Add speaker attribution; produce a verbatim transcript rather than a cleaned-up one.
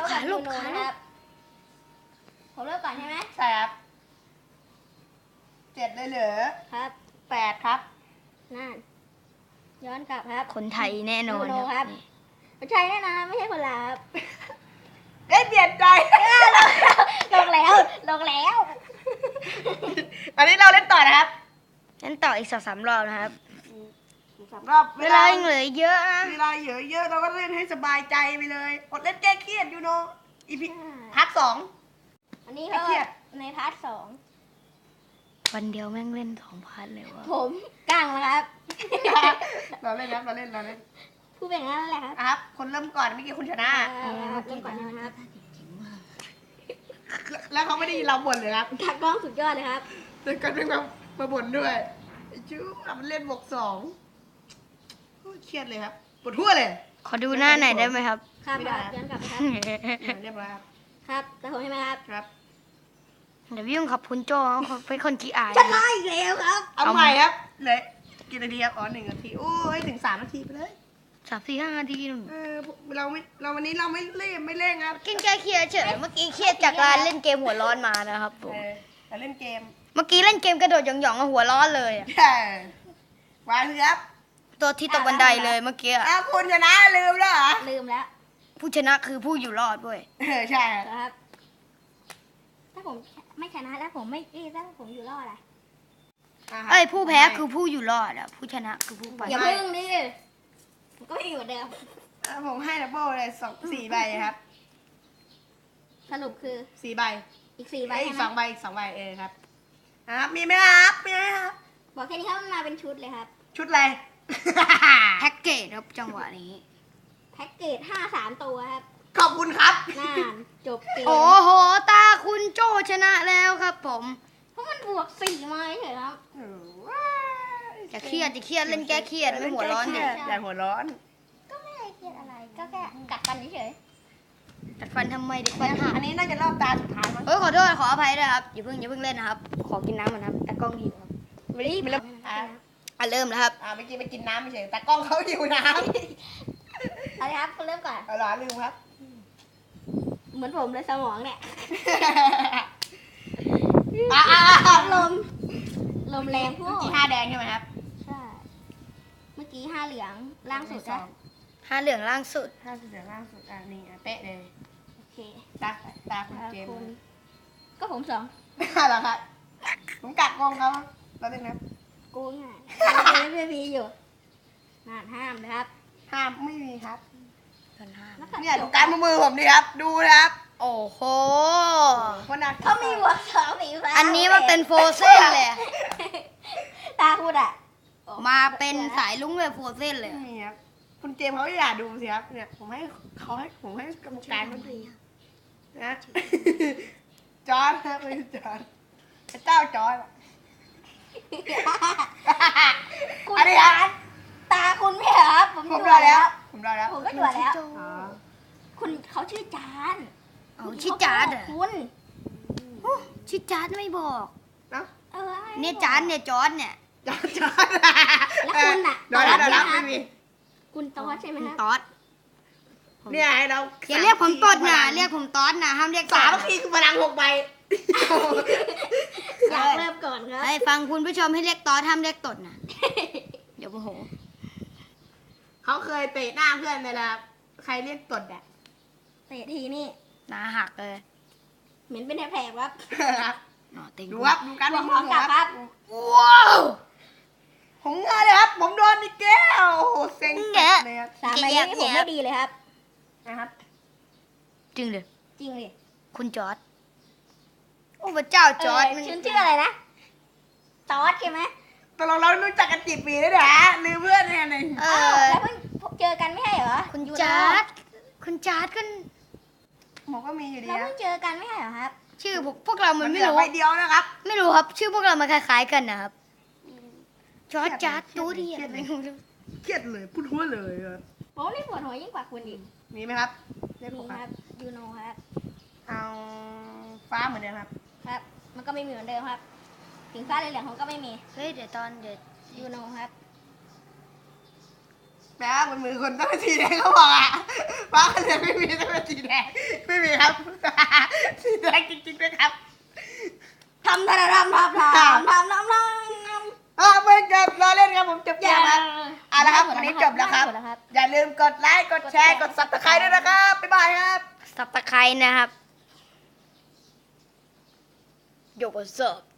Speaker 1: กับ
Speaker 2: ขาล
Speaker 1: ยู
Speaker 2: บ
Speaker 1: โน
Speaker 2: ขาลบ
Speaker 1: นะครับผมเริ่มก่อนใช่ไหม
Speaker 3: ใช่ครับเจ็ดเลยเหรอ
Speaker 1: ครับ
Speaker 3: แปดครับ
Speaker 1: นั่นย้อนกลับครับ
Speaker 2: คนไทยแน่นอน
Speaker 1: ยูโนครับ ไม่ใช่แน่นอนไม่ใช่คนลาวครับ
Speaker 3: เอ้ยเปลี่ยนใจ
Speaker 1: ลงแล้วลงแล้ว
Speaker 3: ตอนนี้เราเล่นต่อนะครับ
Speaker 2: งั้นต่ออีกสองสามรอบนะครับ
Speaker 3: สามรอบ
Speaker 2: เวลายังเหลือเยอะนะ
Speaker 3: เวลาเยอะเยอะเราก็เล่นให้สบายใจไปเลยอดเล่นแก้เครียดอยู่เนาะอีพีพาร์ทสอง
Speaker 1: อันนี้
Speaker 3: ไม่
Speaker 1: ก็
Speaker 3: เครียด
Speaker 1: ในพาร์ทสอง
Speaker 2: วันเดียวแม่งเล่นสองพาร์ทเลยวะ
Speaker 1: ผมก้างนะครับ
Speaker 3: เราเล่นนะเราเล่นเราเล่น
Speaker 1: ผู้เป็นงั้นแหละครับ
Speaker 3: อ่ะครับ คนเริ่มก่อนเมื่อกี้คุณชนะ
Speaker 1: เอาละครับเริ่มก่อนนะครับ
Speaker 3: แล้วเขาไม่ได้ยินเราบ่นเลยครับ
Speaker 1: ตากล้องสุดยอดเลยครับ
Speaker 3: แต่ก็เป็นมามาบ่นด้วยไอ้ชื่อมันเล่นบวกสองโอ้ยเครียดเลยครับปวดหัวเลย
Speaker 2: ขอดูหน้าหน่อยได้ไหมครับ
Speaker 1: ครับ
Speaker 3: ไม่ได้
Speaker 1: ย้อนกลับไปครับ
Speaker 3: เรียบร้อยครับ
Speaker 1: ครับแต่ผมใช่ไหมครับ
Speaker 3: ครับ
Speaker 2: เดี๋ยวพี่ยุ่งขับคุณโจเขาเป็นคนขี้อาย
Speaker 1: ชนะอีกแล้วครับ
Speaker 3: เอาใหม่ครับเหลยกี่นาทีครับอ๋อหนึ่งนาทีโอ้ยถึงสามนาทีไปเลย
Speaker 2: สามสี่ห้านาทีนู่น
Speaker 3: เออเราไม่เราวันนี้เราไม่เล่นไม่เล่นครับ
Speaker 2: กินแก้เครียดเฉยเมื่อกี้เครียดจากการเล่นเกมหัวร้อนมานะครับผม
Speaker 3: เออเราเล่นเกม
Speaker 2: เมื่อกี้เล่นเกมกระโดดหย่องๆอะหัวร้อนเลยอะ
Speaker 3: ใช่วางเลยครับ
Speaker 2: ตัวที่ตกบันไดเลยเมื่อกี้อะ
Speaker 3: อ้าวคุณชนะลืมแล้วเหรอ
Speaker 1: ลืมแล้ว
Speaker 2: ผู้ชนะคือผู้อยู่รอดด้วย
Speaker 3: เออใช่ครับ
Speaker 1: นะครับ ถ้าผมไม่ชนะแล้วผมไม่เอ้ยถ้าผมอยู่รอดอะ
Speaker 3: อ่ะครับ
Speaker 2: เอ้ยผู้แพ้คือผู้อยู่รอดอะผู้ชนะคือผู้ไป
Speaker 1: อย่าพึ่งดิผมก็ไม่อยู่เหมือนเดิม
Speaker 3: อ่ะผมให้ดับเบิลเลยสองสี่ใบครับ
Speaker 1: สรุปคือ
Speaker 3: สี่ใบ
Speaker 1: อีกสี่ใบ
Speaker 3: ไอ้ยอี
Speaker 1: ใช่
Speaker 3: ก
Speaker 1: ไหม
Speaker 3: สองใบอีกสองใบเออครับนะครับมีไหมครับมีไหมครับ
Speaker 1: บอกแค่นี้ครับมันมาเป็นชุดเลยครับ
Speaker 3: ชุดอะไร
Speaker 2: แพ็กเกจครับจังหวะนี้
Speaker 1: แพ็กเกจห้าสามตัวครับ
Speaker 3: ขอบคุณครับ
Speaker 1: น่านจบเกม
Speaker 2: โอ้โหตาคุณโจชนะแล้วครับผม
Speaker 1: เพราะมันบวกสี่มาเฉยๆครับ
Speaker 3: เออว้าย
Speaker 2: จะเครียดจะเครียดเล่นแก้เครียดไม่หัวร้อนดิ
Speaker 3: อย่าหัวร้อน
Speaker 1: ก็ไม่ได้เครียดอะไร ก็แค่กัดฟันเฉย
Speaker 2: จัดฟันทำไมเด็กฟันหัก
Speaker 3: อันนี้น่าจะรอบตาสุดท้ายมั้ง
Speaker 2: เฮ้ยขอโทษขออภัยด้วยครับอย่าเพิ่งอย่าเพิ่งเล่นนะครับ ขอกินน้ำก่อนครับตากล้องหิวครับ
Speaker 3: ไม่ได้ไม่ได้อ่ะ
Speaker 2: อ่ะเริ่มแล้วครับ
Speaker 3: อ่าเมื่อกี้ไปกินน้ำไม่เฉยแต่กล้องเขาหิวน้ำ
Speaker 1: ๆเอาเลยครับคุณเริ่มก่อน
Speaker 3: เอาล่ะลืมครับ
Speaker 1: เหมือนผมเลยสมองเนี่ย
Speaker 3: อ่าอ่าอ่า
Speaker 1: ลม ลมแรงพว
Speaker 3: เมื่
Speaker 1: ก
Speaker 3: อกี้ห้าแดงใช่ไหมครับ
Speaker 1: ใช่ เมื่อกี้ห้าเหลืองล่างสุดนะ
Speaker 2: ห้าเหลืองล่างสุด
Speaker 3: ห้าสุดเหลืองล่างสุดอ่ะนี่อ่ะเป๊ะเลย
Speaker 1: โอเค
Speaker 3: ตาตาคุณเจม
Speaker 1: คุ
Speaker 3: ส์
Speaker 1: ณก็ผมสอง
Speaker 3: เหรอครับผมกัดกองเขาเราเล่นนะ
Speaker 1: กูง่ายไม่มีอยู่นานห้ามนะครับ
Speaker 3: ห้ามไม่มีครับ
Speaker 2: กันห้า
Speaker 1: แล้วก็
Speaker 3: เนี่ยดูการมือผมดิครับ ดูนะครับ
Speaker 2: โอ้โห
Speaker 3: คนหนัก
Speaker 1: เขามีหัวสองสีฟ้า
Speaker 2: อันนี้มันเป็นโฟเซนเลยอะ
Speaker 1: ตาคุณอ่ะ
Speaker 2: มาเป็นสายลุ้งเลยโฟเซนเลย
Speaker 3: ไม่มีครับคุณเจมส์เขาอยากดูสิครับเนี่ยผมให้เขาให้ผมให้กรรมการเขาดูนะจอร์ดครับไม่ใช่จอร์ดพระเจ้าจอร์ดอะ
Speaker 1: คุณ
Speaker 3: อันนี้ค
Speaker 1: จา
Speaker 3: รับ
Speaker 1: นตาคุณไม่เหรอครับ ผม
Speaker 3: ผม
Speaker 1: ตร
Speaker 3: ร
Speaker 1: ว
Speaker 3: อ
Speaker 1: จ
Speaker 3: แล้
Speaker 1: แล้ว ว
Speaker 3: ผมรอแล้ว
Speaker 1: ผมก็ตรวจแล้ว
Speaker 3: อ๋อ
Speaker 1: คุณเขาชื่อจาน
Speaker 2: เอาชิจาร์ดเหรอ
Speaker 1: คุณ
Speaker 2: โอ้ชิจาร์ดไม่บอก
Speaker 3: เนาะ
Speaker 1: เออ
Speaker 2: เนี่ยจาร์ดเนี่ยจอร์ดเนี่ย
Speaker 3: จอร์ดจอร์ด
Speaker 1: แล้วคุณน่ะ
Speaker 3: รอแล้วรอแล้ว
Speaker 1: ตอส
Speaker 3: ไม่มี
Speaker 1: คุณตอสใช่ไหมครับ
Speaker 2: ตอด
Speaker 3: เนี่ยให้เรา
Speaker 2: อย่าเรียกผมตอดนะเรียกผมตอดนะห้ามเรียก
Speaker 3: สาม
Speaker 2: ตอด
Speaker 3: นาทีคือพลังหกใบ
Speaker 1: อยากเริ่มก่อนครับ
Speaker 2: ให้ฟังคุณผู้ชมให้เรียกตอดห้ามเรียกตดนะเดี๋ยวโมโห
Speaker 3: เขาเคยเตะหน้าเพื่อนเลยนะครับใครเรียกตดอ่ะ
Speaker 1: เตะทีนี่
Speaker 2: หนาหักเลย
Speaker 1: เหม็นเป็นแผลๆครับ
Speaker 3: ครับ
Speaker 2: หนอเต็ง
Speaker 3: ดูครับดูการ
Speaker 1: หั
Speaker 3: มื
Speaker 1: ว
Speaker 3: อ
Speaker 1: ข
Speaker 3: ผ
Speaker 1: อ
Speaker 3: ม
Speaker 1: กลับ
Speaker 3: ค
Speaker 1: ครั
Speaker 3: รับบ ว้าวผมเงยเลยครับ ผมโดนอีกแก้วโอ้โหเซ็งจัดเลยครับ
Speaker 1: สามใบนี้ผมไม่ดีเลยครับ
Speaker 3: นะครับ
Speaker 2: จริงเลย
Speaker 1: จริงดิ
Speaker 2: คุณจอร์ดโอ้พระเจ้าจอร์ด
Speaker 1: เชื่อชื่ออะไรนะตอสใช่ไหม
Speaker 3: ตกลงเรารู้จักกันกี่ปีแล้วเนี่ยฮะลืมเพื่อนเนี่ยหนึ่ง
Speaker 2: เอ
Speaker 1: อ้าว
Speaker 2: อ
Speaker 1: แล้วเพิ่งเจอกันไม่ใช่เหรอ
Speaker 2: คุณ
Speaker 1: ยู
Speaker 2: จ
Speaker 1: โน
Speaker 2: าร์ดคุณจาร์ดก็
Speaker 3: ผมก็มีอยู่ดี
Speaker 1: เรา
Speaker 3: ครั
Speaker 1: เพิ่
Speaker 3: บ
Speaker 1: งเจอกันไม่ใช่เหรอครับ
Speaker 2: ชื่อพวกพวกเรามัน
Speaker 3: เห
Speaker 2: ไม่
Speaker 3: ลือ
Speaker 2: รู้
Speaker 3: ใบเดียวนะครับ
Speaker 2: ไม่รู้ครับ ชื่อพวกเรามันคล้ายๆกันนะครับจอร์ดจาร์ดตัวเดียว
Speaker 3: เครียดเลยพูดหัวเลยอะ
Speaker 1: โอ้นี่ปวดหัวยิ่งกว่าคุณอีก
Speaker 3: มีไหมครับเรียก
Speaker 1: มี
Speaker 3: ผม
Speaker 1: ค
Speaker 3: ค
Speaker 1: รั
Speaker 3: รั
Speaker 1: บบ ยูโนครับ
Speaker 3: เอาฟ้าเหมือนเดิมครับ
Speaker 1: ครับ มันก็ไม่มีเหมือนเดิมครับถึงฟ้าเหลืองๆเขาก็ไม่มี
Speaker 2: เฮ้ยเดี๋ยวตอนเดี๋ยว
Speaker 1: ยูโนครับ
Speaker 3: แปลว่าบนมือคนต้องเป็นสีแดงเขาบอกอ่ะฟ้าเหลืองไม่มีต้องเป็นสีแดงไม่มีครับ สีแดงจริงๆด้วยครับ
Speaker 1: ทำทำทำทำทำทำทำทำทำ
Speaker 3: อ่าไม่เกิดรอเล่นครับผมจบเกมครับเอาละครับวันนี้จบแล้วครับ อย่าลืมกดไลค์กดแชร์กดซับสไครต์ด้วยนะครับบ๊ายบายครับ
Speaker 2: สับตะไคร้นะครับโยกเสิร์ฟ